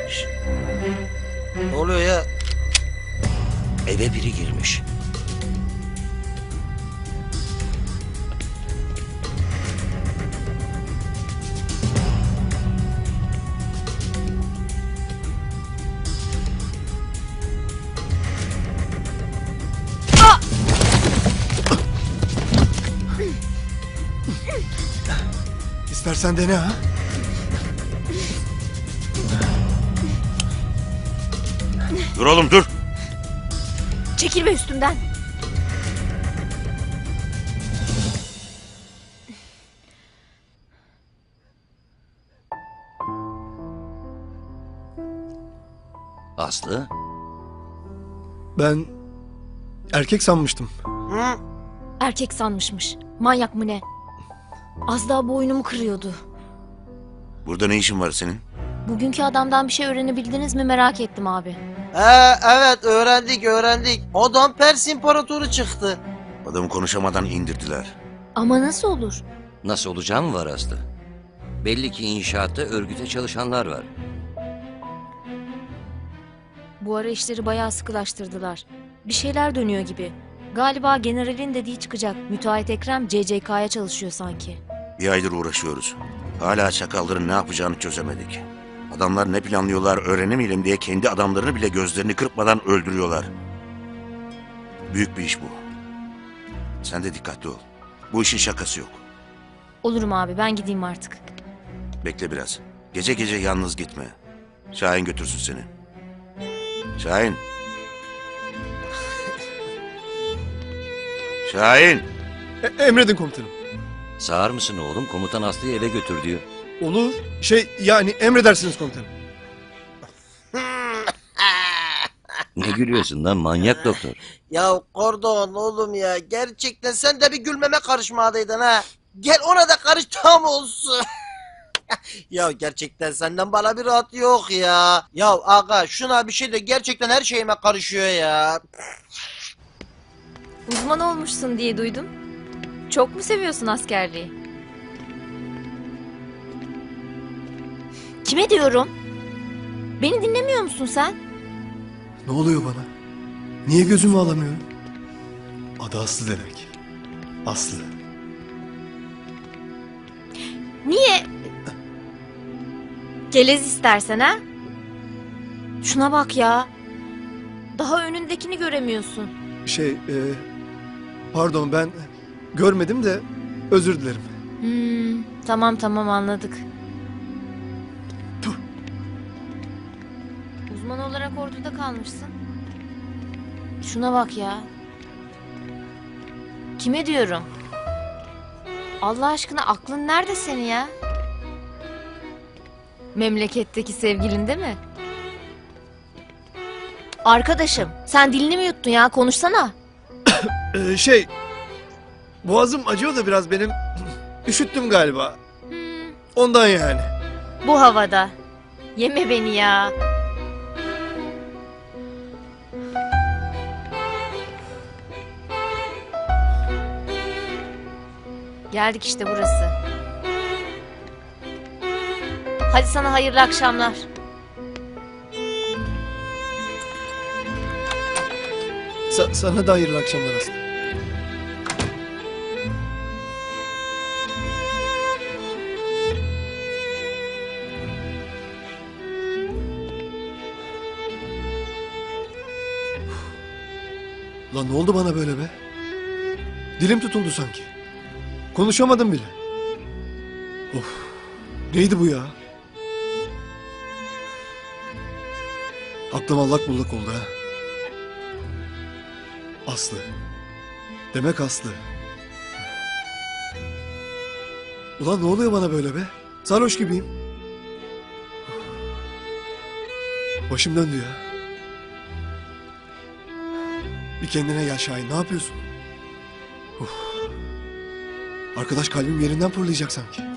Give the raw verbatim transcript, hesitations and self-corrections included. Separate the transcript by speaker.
Speaker 1: Şşt,
Speaker 2: Ne oluyor ya?
Speaker 1: eve biri girmiş.
Speaker 3: İstersen dene ha.
Speaker 1: Dur oğlum dur.
Speaker 4: Çekilme üstümden.
Speaker 1: Aslı.
Speaker 3: Ben erkek sanmıştım.
Speaker 2: Hı?
Speaker 4: Erkek sanmışmış. Manyak mı ne? Az daha boynumu kırıyordu.
Speaker 1: Burada ne işin var senin?
Speaker 4: Bugünkü adamdan bir şey öğrenebildiniz mi merak ettim abi.
Speaker 2: He, evet öğrendik öğrendik. Adam Pers İmparatoru çıktı.
Speaker 1: Adamı konuşamadan indirdiler.
Speaker 4: Ama nasıl olur?
Speaker 5: Nasıl olacağı mı var Aslı? Belli ki inşaatta örgüte çalışanlar var.
Speaker 4: Bu ara işleri bayağı sıkılaştırdılar. Bir şeyler dönüyor gibi. Galiba generalin dediği çıkacak. Müteahhit Ekrem C C K'ya çalışıyor sanki.
Speaker 1: Bir aydır uğraşıyoruz. Hala çakalların ne yapacağını çözemedik. Adamlar ne planlıyorlar öğrenemeyelim diye kendi adamlarını bile gözlerini kırpmadan öldürüyorlar. Büyük bir iş bu. Sen de dikkatli ol. Bu işin şakası yok.
Speaker 4: Olurum abi, ben gideyim artık.
Speaker 1: Bekle biraz. Gece gece yalnız gitme. Şahin götürsün seni. Şahin. Şahin.
Speaker 3: E- emredin komutanım.
Speaker 5: Sağır mısın oğlum? Komutan Aslı'yı eve götür diyor.
Speaker 3: Olur. Şey yani emredersiniz komutanım.
Speaker 5: Ne gülüyorsun lan manyak doktor?
Speaker 2: Ya Kordon oğlum ya, gerçekten sen de bir gülmeme karışmadaydın ha. Gel ona da karış tam olsun. Ya gerçekten senden bana bir rahat yok ya. Ya aga şuna bir şey de gerçekten her şeyime karışıyor ya.
Speaker 4: Uzman olmuşsun diye duydum. Çok mu seviyorsun askerliği? Kime diyorum? Beni dinlemiyor musun sen?
Speaker 3: Ne oluyor bana? Niye gözümü alamıyorum? Adı Aslı demek. Aslı.
Speaker 4: Niye? Gelez istersen ha? Şuna bak ya. Daha önündekini göremiyorsun.
Speaker 3: Şey e, pardon ben görmedim de özür dilerim.
Speaker 4: Hmm, tamam tamam anladık.
Speaker 3: Tüh.
Speaker 4: Uzman olarak orduda kalmışsın. Şuna bak ya. Kime diyorum? Allah aşkına aklın nerede senin ya? Memleketteki sevgilin değil mi? Arkadaşım sen dilini mi yuttun ya, konuşsana.
Speaker 3: E, şey boğazım acıyor da biraz benim. Üşüttüm galiba.
Speaker 4: Hmm,
Speaker 3: Ondan yani.
Speaker 4: bu havada. Yeme beni ya. Geldik işte burası. Hadi sana hayırlı akşamlar.
Speaker 3: Sa- sana da hayırlı akşamlar Aslı. Lan ne oldu bana böyle be? Dilim tutuldu sanki. Konuşamadım bile. Of. Neydi bu ya? Aklım allak bullak oldu ha. Aslı. Demek Aslı. Ulan ne oluyor bana böyle be? Sarhoş gibiyim. Başım döndü ya. Bir kendine gel Şahin, ne yapıyorsun? Uf. Arkadaş kalbim yerinden fırlayacak sanki.